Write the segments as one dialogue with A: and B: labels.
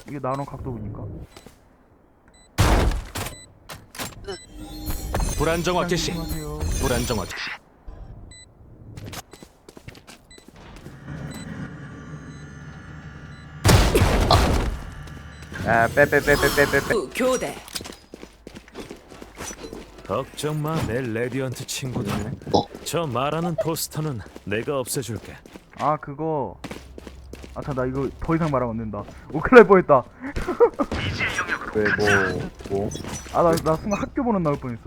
A: 이게 나노 각도 보니까.
B: 불안정화 개시.
A: 조심하세요.
B: 불안정화 개시.
C: 빼.
D: 교대.
B: 걱정 마, 내 레디언트 친구들. 저 말하는 포스터는 내가 없애줄게.
A: 아 그거. 나 이거 더 이상 말하면 안 된다. 큰일 날 뻔했다.
C: 왜 뭐?
A: 나 순간 학교 번호 나올 뻔했어.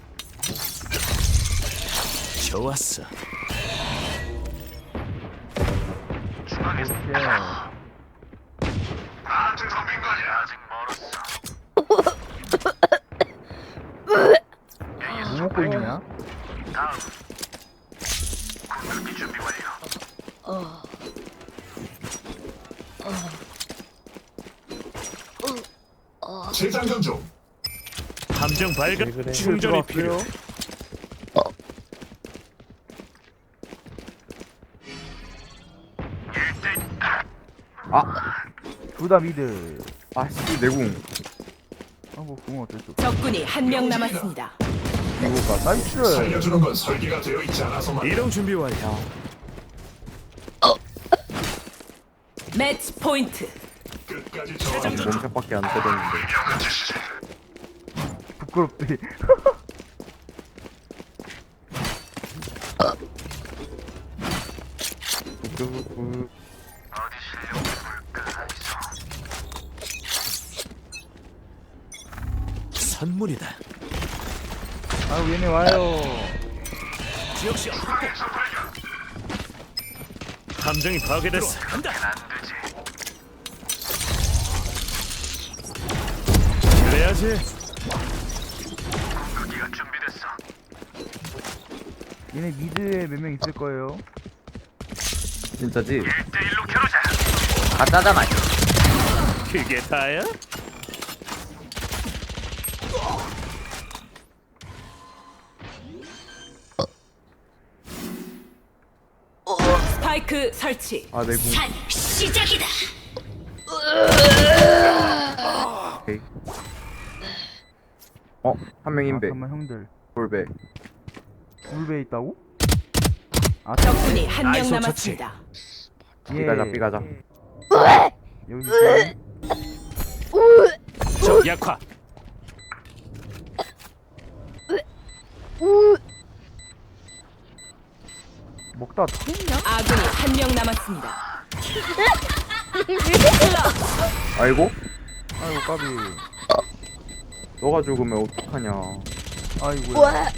B: 좋았어.
A: 오케이. 뭐 먹고 있냐?
E: 재장전 중.
B: 함정 발각.
C: 그래.
B: 충전이 필요.
A: 둘 다 미드.
C: 아씨 내궁.
A: 뭐 궁은 어쩔 수 없어.
D: 적군이 한 명 남았습니다.
C: 이거가
A: 나이스.
E: 살려주는 건 설계가 되어 있지 않아서만.
B: 이동 준비 완료.
D: 매치 포인트.
E: 끝까지 저항.
C: 몸샷밖에 안 때렸는데.
A: 부끄럽지.
B: 선물이다.
A: 얘네 와요.
B: 지역 시야 확보. 함정이 파괴됐어. 간다. 그래야지.
A: 얘네 미드에 몇 명 있을 거예요.
C: 진짜지? 가짜잖아.
B: 그게 다야?
D: 스파이크 설치.
C: 내궁.
D: 시작이다.
C: 오케이. 한 명 인베.
A: 잠깐만 형들.
C: 볼베.
A: 불배 있다고?
D: 적군이 한 명
B: 아이소
D: 남았습니다.
C: 삐가자.
A: 여기 있어요.
B: 적 약화.
A: 먹다 터졌냐?
D: 아군이 한 명 남았습니다.
C: 아이고?
A: 아이고 까비.
C: 너가 죽으면 어떡하냐.
A: 아이고.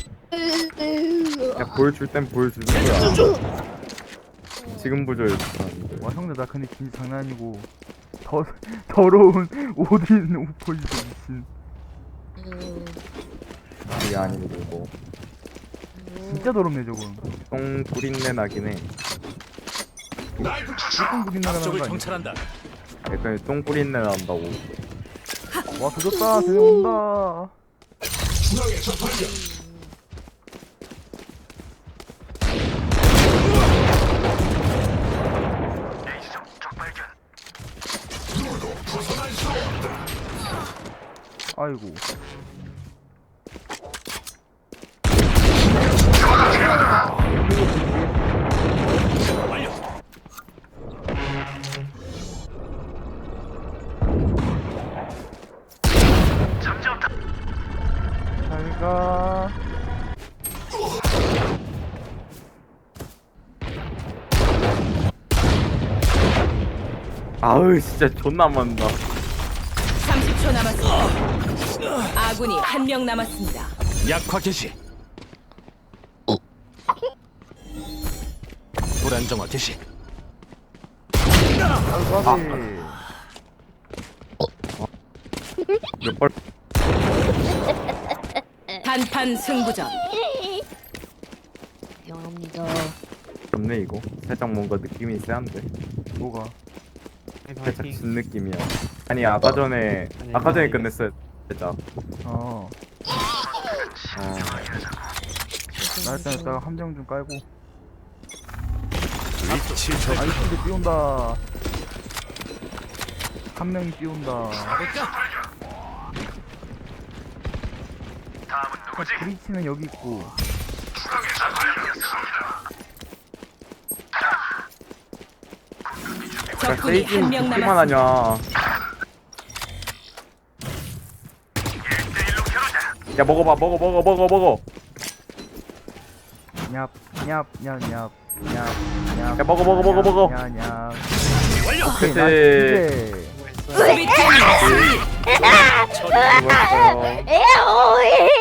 C: 야 보여줄 땐 보여주는 거야. 지금 보여줄 줄 알았는데.
A: 와 형들 나 근데 진짜 장난 아니고 더러운 오딘 오퍼이도 미친.
C: 그게 아니고 뭐.
A: 진짜 더럽네 저건.
C: 똥 뿌린내 나긴 해.
A: 조금 부긴 나가는 거
B: 적을
A: 아니야?
B: 정찰한다.
C: 약간 똥 뿌린내 난다고.
A: 와 조졌다. 쟤네 온다.
E: 중앙에 적발견. 누구도 벗어날 수 없다.
A: 아이고.
B: 완료.
A: 잘가.
C: 아우 진짜 존나 많다.
D: 30초 남았습니다. 아군이 한 명 남았습니다.
B: 약화 개시. 불안정화 개시.
A: 아이고 까비.
C: 몇 발?
D: 단판 승부전.
F: 영합니다.
C: 없네 이거. 살짝 뭔가 느낌이 세한데.
A: 뭐가?
C: 살짝 진 느낌이야. 아니 아까 전에 끝냈어요. 살짝.
A: 나 일단 이따가 함정 좀 깔고.
B: 위치 적.
A: 아이스도 띄운다. 한 명이 띄운다. 브리치는 여기 있고.
D: 적군이
C: 세이진
D: 한 명
C: 듣기만
D: 남았습니다.
C: 하냐. 야 먹어봐 먹어.
A: 얍, 얍, 얍, 얍, 얍,
C: 야 먹어.
A: 얍, 얍.
B: 완료.
A: 오케이,
C: 그치.
A: 나이스.
D: 수비팀 승리.
C: 수고했어요.
F: 에오이